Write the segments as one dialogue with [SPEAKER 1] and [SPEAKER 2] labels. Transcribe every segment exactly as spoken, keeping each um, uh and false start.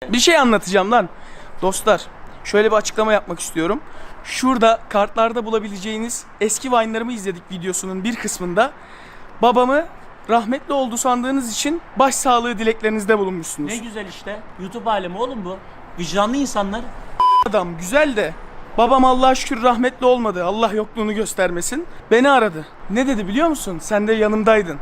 [SPEAKER 1] Bir şey anlatacağım lan. Dostlar, şöyle bir açıklama yapmak istiyorum. Şurada kartlarda bulabileceğiniz eski Vine'larımı izledik videosunun bir kısmında. Babamı rahmetli oldu sandığınız için başsağlığı dileklerinizde bulunmuşsunuz.
[SPEAKER 2] Ne güzel işte. YouTube alemi oğlum bu. Vicdanlı insanlar.
[SPEAKER 1] Adam güzel de babam Allah'a şükür rahmetli olmadı. Allah yokluğunu göstermesin. Beni aradı. Ne dedi biliyor musun? Sen de yanımdaydın.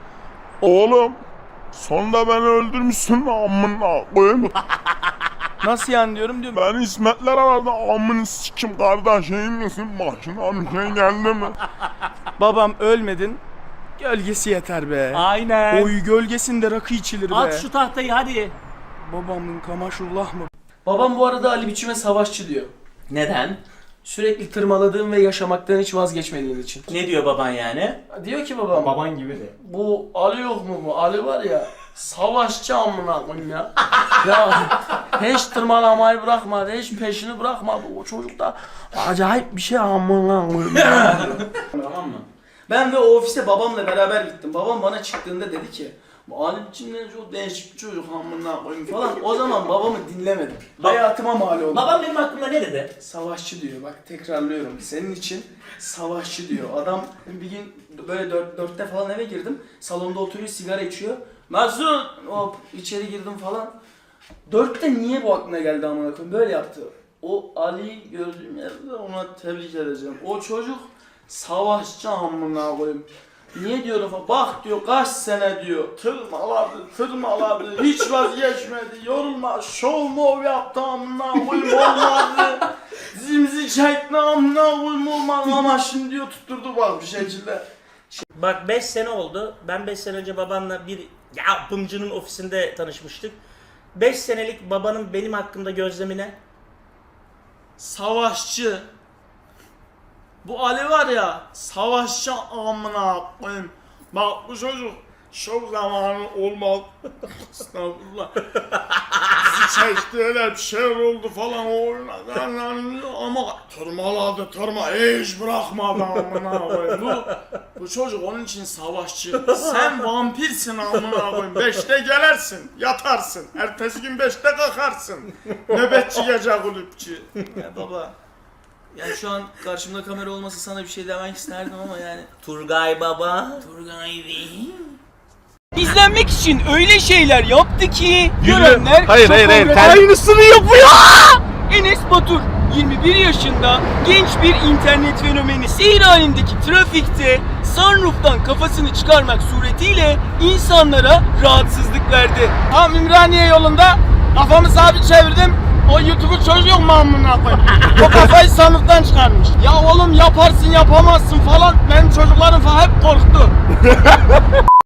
[SPEAKER 3] Oğlum sonunda beni öldürmüşsün amına koyayım.
[SPEAKER 1] Nasıl yani diyorum diyorum.
[SPEAKER 3] Ben İsmetler aradı amını sikim kardeşim misin? Başına bir şey geldi mi?
[SPEAKER 1] Babam ölmedin. Gölgesi yeter be.
[SPEAKER 2] Aynen.
[SPEAKER 1] Oy gölgesinde rakı içilir be.
[SPEAKER 2] At şu tahtayı hadi.
[SPEAKER 1] Babamın kamaşullah mı? Babam bu arada Ali biçime savaşçı diyor.
[SPEAKER 2] Neden?
[SPEAKER 1] Sürekli tırmaladığım ve yaşamaktan hiç vazgeçmediğin için.
[SPEAKER 2] Ne diyor baban yani?
[SPEAKER 1] Diyor ki babam.
[SPEAKER 4] Baban gibi de.
[SPEAKER 1] Bu Ali yok mu bu? Ali var ya savaşçı amına koyayım ya. Ya hiç tırmalamayı bırakmadı, hiç peşini bırakmadı. O çocuk da acayip bir şey amına koyayım ya.
[SPEAKER 2] Tamam mı?
[SPEAKER 1] Ben ve o ofise babamla beraber gittim. Babam bana çıktığında dedi ki bu Ali biçimden çok değişik bir çocuk amına koyayım falan. O zaman babamı dinlemedim. Hayatıma mal oldu.
[SPEAKER 2] Babam benim hakkımda ne dedi?
[SPEAKER 1] Savaşçı diyor, bak tekrarlıyorum. Senin için savaşçı diyor. Adam bir gün böyle dört, dörtte falan eve girdim. Salonda oturuyor, sigara içiyor. Mesut! Hop içeri girdim falan. Dörtte niye bu aklına geldi amına koyayım? Böyle yaptı. O Ali'yi gördüğüm yerde ona tebrik edeceğim. O çocuk savaşçı amına koyayım. Niye diyorum falan. Bak diyor kaç sene diyor. Tırmaladı, tırmaladı. Hiç vazgeçmedi. Yorulma. Şov mov yaptı amına koyayım olmadı. Zimzi çekti amına koyayım olmadı. Ama şimdi diyor tutturdu bak bir şekilde.
[SPEAKER 2] Bak beş sene oldu. Ben beş sene önce babanla bir yapımcının ofisinde tanışmıştık. beş senelik babanın benim hakkımda gözlemi ne?
[SPEAKER 1] Savaşçı. Bu Ali var ya savaşçı amına koyayım. Bak bu çocuk şov zamanı olmaz. Estağfurullah. Bizi çekti öyle bir şeyler oldu falan o oynadı ama tırmaladı tırma hiç bırakmadı amına koyayım. Bu, bu çocuk onun için savaşçı. Sen vampirsin amına koyayım. Beşte gelersin yatarsın. Ertesi gün beşte kalkarsın. Nöbetçi gece kulüpçü. Ya baba. Yani şu an karşımda kamera olmasa sana bir şey demek isterdim ama yani.
[SPEAKER 2] Turgay baba.
[SPEAKER 1] Turgay Bey. İzlenmek için öyle şeyler yaptı ki görenler
[SPEAKER 3] Hayır,
[SPEAKER 1] şok
[SPEAKER 3] hayır, hayır.
[SPEAKER 1] oldu.
[SPEAKER 3] Ter-
[SPEAKER 1] Aynısını yapıyor. Enes Batur yirmi bir yaşında genç bir internet fenomeni. Seyir halindeki trafikte sunroof'tan kafasını çıkarmak suretiyle insanlara rahatsızlık verdi. Tam Ümraniye yolunda kafamı sabit çevirdim. O YouTube'u çocuk mu amına koyayım? O kafayı sandıktan çıkarmış. Ya oğlum yaparsın yapamazsın falan. Benim çocuklarım falan hep korktu.